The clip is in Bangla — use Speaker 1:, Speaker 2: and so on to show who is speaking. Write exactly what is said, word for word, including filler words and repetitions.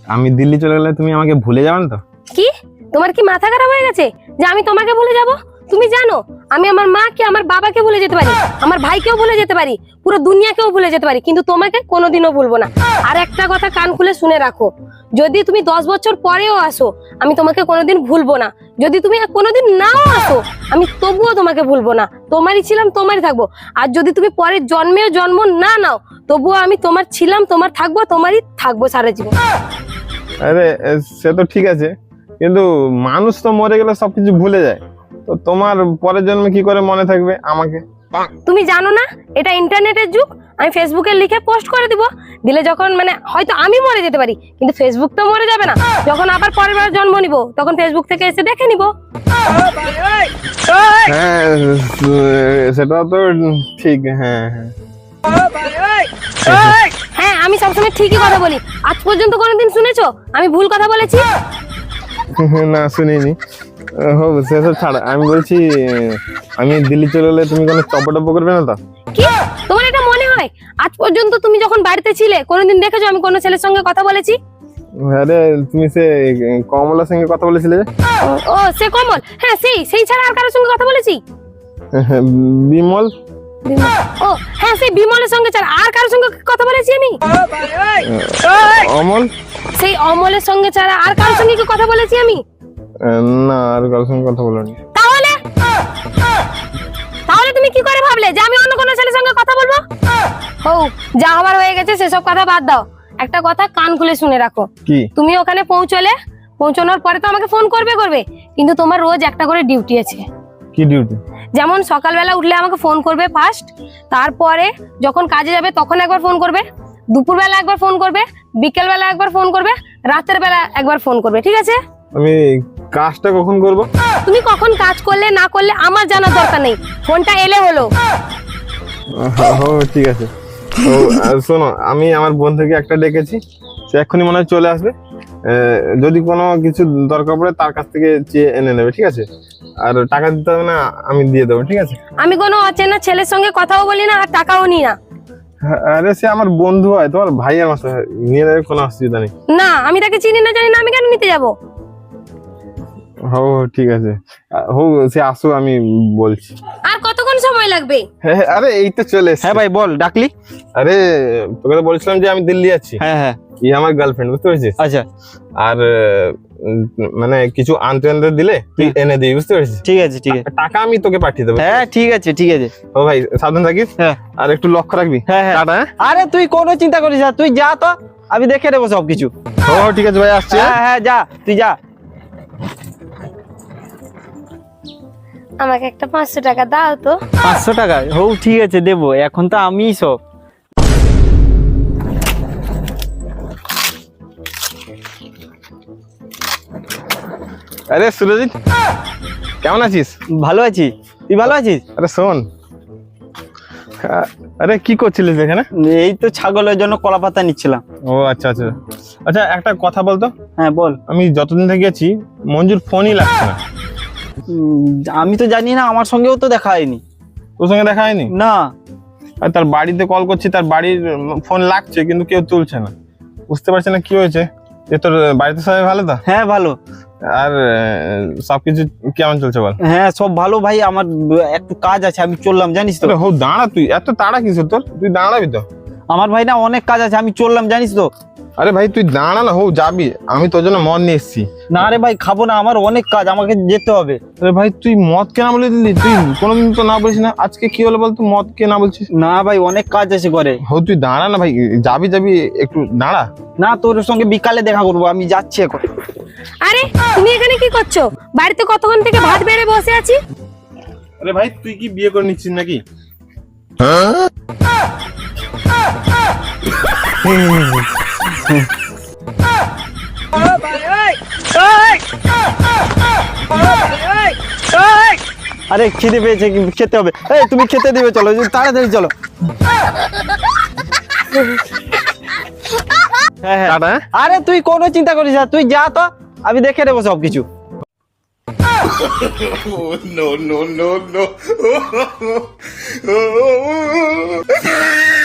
Speaker 1: আমি দিল্লি চলে গেলে তুমি আমাকে ভুলে যাবে না তো?
Speaker 2: কি তোমার কি মাথা খারাপ হয়ে গেছে যে আমি তোমাকে ভুলে যাব? তুমি জানো আমি আমার মাকে আমার বাবাকে ভুলে যেতে পারি, আমার ভাইকেও ভুলে যেতে পারি, পুরো দুনিয়াকেও ভুলে যেতে পারি, কিন্তু তোমাকে কোনোদিনও ভুলবো না। আর একটা কথা কান খুলে শুনে রাখো, যদি তুমি দশ বছর পরেও আসো আমি তোমাকে কোনোদিন ভুলবো না। যদি তুমি কোনোদিন নাও আসো আমি তবুও তোমাকে ভুলবো না। তোমারই ছিলাম তোমারই থাকবো। আর যদি তুমি পরের জন্মেও জন্ম না নাও তবুও আমি তোমার ছিলাম, তোমার থাকবো, তোমারই থাকবো সারা জীবন।
Speaker 1: আরে সে তো ঠিক আছে, কিন্তু মানুষ তো মরে গেলে সবকিছু ভুলে যায়, তো তোমার পরের জন্মে কি করে মনে থাকবে আমাকে?
Speaker 2: তুমি জানো না এটা ইন্টারনেটের যুগ? আমি ফেসবুকে লিখে পোস্ট করে দিব, দিলে যখন মানে হয়তো আমি মরে যেতে পারি কিন্তু ফেসবুক তো মরে যাবে না। যখন আবার পরের বার জন্ম নিব তখন ফেসবুক থেকে এসে দেখে নিব।
Speaker 1: হ্যাঁ সেটা তো ঠিক। হ্যাঁ হ্যাঁ
Speaker 2: হ্যাঁ আমি সবসময় ঠিকই কথা বলি। আজ পর্যন্ত কোনোদিন শুনেছো আমি ভুল কথা বলেছি?
Speaker 1: না শুনিনি। হোক সেসব ছাড়, আমি বলছি আমি দিল্লি চলে গেলে তুমি কোনো টপ করবে না তো?
Speaker 2: কি তোমার এটা মনে হয় আজ পর্যন্ত তুমি যখন বাড়িতে ছিলে কোনোদিন দেখেছো আমি কোনো ছেলের সঙ্গে কথা বলেছি?
Speaker 1: আরে তুমি সে কমলার সঙ্গে কথা বলেছিলে?
Speaker 2: ও সে কমল, হ্যাঁ সেই সেই ছাড়া আর কারোর সঙ্গে কথা বলেছি?
Speaker 1: বিমল।
Speaker 2: ও হ্যাঁ সেই বিমলের সঙ্গে ছাড়া আর কারোর সঙ্গে কথা বলেছি আমি?
Speaker 1: অমল।
Speaker 2: সেই অমলের সঙ্গে ছাড়া আর কারোর সঙ্গে কি কথা বলেছি আমি?
Speaker 1: না আর কারোর সঙ্গে কথা বলিনি।
Speaker 2: তাহলে তাহলে তুমি কি করে ভাবলে যে আমি অন্য কোনো ছেলের সঙ্গে কথা বলবো? ও যা হবার হয়ে গেছে সেসব কথা বাদ দাও। একটা কথা কান খুলে শুনে রাখো,
Speaker 1: কি?
Speaker 2: তুমি ওখানে পৌঁছলে পৌঁছানোর পরে তো আমাকে ফোন করবে করবে কিন্তু তোমার রোজ একটা করে ডিউটি আছে।
Speaker 1: কি ডিউটি?
Speaker 2: যেমন সকালবেলা উঠলে আমাকে ফোন করবে ফার্স্ট, তারপরে যখন কাজে যাবে তখন একবার ফোন করবে, দুপুরবেলা একবার ফোন করবে, বিকেলবেলা একবার ফোন করবে, রাতের বেলা একবার ফোন করবে, ঠিক আছে?
Speaker 1: আমি কাজটা কখন করব?
Speaker 2: তুমি কখন কাজ করলে না করলে আমার জানার দরকার নেই, ফোনটা এলে হলো।
Speaker 1: ও ঠিক আছে। তো শোনো, আমি আমার বন্ধুকে একটা ডেকেছি, সে এক্ষুনি মনে হয় চলে আসবে। যদি কোনো কিছু দরকার পড়ে তার কাছ থেকে চেয়ে এনে নেবে, ঠিক আছে? আর টাকা দিতে হবে না, আমি দিয়ে দেবো, ঠিক আছে?
Speaker 2: আমি কোনো অচেনা ছেলের সঙ্গে কথাও বলি না আর টাকাও নিই না।
Speaker 1: আরে সে আমার বন্ধু হয়, তোমার ভাই আমার নিয়ে নেবে, কোনো অসুবিধা নেই।
Speaker 2: না আমি তাকে চিনি না জানি না, আমি কেন নিতে যাবো?
Speaker 1: হো ঠিক আছে, হো সে আসো, আমি বলছি।
Speaker 2: আর কতক্ষণ সময় লাগবে?
Speaker 1: হ্যাঁ আরে এই তো চলে এসেছে।
Speaker 3: হ্যাঁ ভাই বল, ডাকলি?
Speaker 1: আরে তোকে তো বলছিলাম যে আমি দিল্লি যাচ্ছি।
Speaker 3: হ্যাঁ হ্যাঁ
Speaker 1: ই আমার গার্লফ্রেন্ড, বুঝতে পেরেছিস?
Speaker 3: আচ্ছা
Speaker 1: আর মানে কিছু আনতে আনতে দিলে তুই এনে দিবি, বুঝতে পেরেছিস?
Speaker 3: ঠিক আছে ঠিক আছে।
Speaker 1: টাকা আমি তোকে পাঠিয়ে দেবো।
Speaker 3: হ্যাঁ ঠিক আছে ঠিক আছে।
Speaker 1: ও ভাই সাবধান থাকিস।
Speaker 3: হ্যাঁ
Speaker 1: আর একটু লক্ষ্য রাখবি।
Speaker 3: হ্যাঁ হ্যাঁ।
Speaker 1: টাটা।
Speaker 3: আরে তুই কোনো চিন্তা করিস না, তুই যা তো, আমি দেখে নেবো সবকিছু।
Speaker 1: ও ঠিক আছে ভাই, আসছি।
Speaker 3: হ্যাঁ হ্যাঁ যা, তুই যা।
Speaker 2: আমাকে একটা পাঁচশো টাকা দাও তো।
Speaker 3: পাঁচশো টাকা? হো ঠিক আছে দেবো, এখন তো আমি সব।
Speaker 1: আরে সুরজিৎ, কেমন আছিস?
Speaker 3: ভালো আছি, তুই ভালো আছিস?
Speaker 1: আরে শোন, আরে কি করছিলিস এখানে?
Speaker 3: এই তো ছাগলের জন্য কলা পাতা নিচ্ছিলাম।
Speaker 1: ও আচ্ছা আচ্ছা আচ্ছা, একটা কথা বলতো।
Speaker 3: হ্যাঁ বল।
Speaker 1: আমি যতদিন থেকে গেছি মঞ্জুর ফোনই লাগছে না।
Speaker 3: উম, আমি তো জানি না, আমার সঙ্গেও তো দেখা হয়নি।
Speaker 1: তোর সঙ্গে দেখা হয়নি?
Speaker 3: না।
Speaker 1: আর তার বাড়িতে কল করছি, তার বাড়ির ফোন লাগছে কিন্তু কেউ তুলছে না, বুঝতে পারছি না কি হয়েছে। যে তোর বাড়িতে সবাই ভালো তো?
Speaker 3: হ্যাঁ ভালো।
Speaker 1: আর সবকিছু কেমন চলছে বল?
Speaker 3: হ্যাঁ সব ভালো ভাই, আমার একটু কাজ আছে, আমি চললাম জানিস তো।
Speaker 1: হো দাঁড়া, তুই এত তাড়া কিসের তোর? তুই দাঁড়াবি তো।
Speaker 3: আমার ভাই না অনেক কাজ আছে, আমি চললাম জানিস তো।
Speaker 1: আরে ভাই তুই দাঁড়া না, হো যাবি, আমি তোর জন্য মদ নিয়ে এসেছি।
Speaker 3: না রে ভাই খাবো না, আমার অনেক কাজ, আমাকে যেতে হবে।
Speaker 1: আরে ভাই তুই মদ কেনা বলে দিলি? তুই কোনোদিন তো না বলিস না, আজকে কি হলো বল, তুই মদ কে না বলছিস?
Speaker 3: না ভাই অনেক কাজ আছে করে।
Speaker 1: হো তুই দাঁড়া না ভাই, যাবি যাবি একটু দাঁড়া।
Speaker 3: না তোর সঙ্গে বিকালে দেখা করবো, আমি যাচ্ছি এখন।
Speaker 2: আরে তুমি এখানে কি করছো? বাড়িতে কতক্ষণ থেকে ভাত বেড়ে বসে আছি।
Speaker 1: আরে ভাই তুই কি বিয়ে করে নিচ্ছিস নাকি?
Speaker 3: আরে খিদে পেয়েছে, খেতে হবে। এই তুমি খেতে দিবে, চলো তাড়াতাড়ি চলো। হ্যাঁ হ্যাঁ।
Speaker 1: টাটা।
Speaker 3: আরে তুই কোনো চিন্তা করিস না, তুই যা তো, আমি দেখে নেবো সবকিছু।
Speaker 4: no, no, no, no.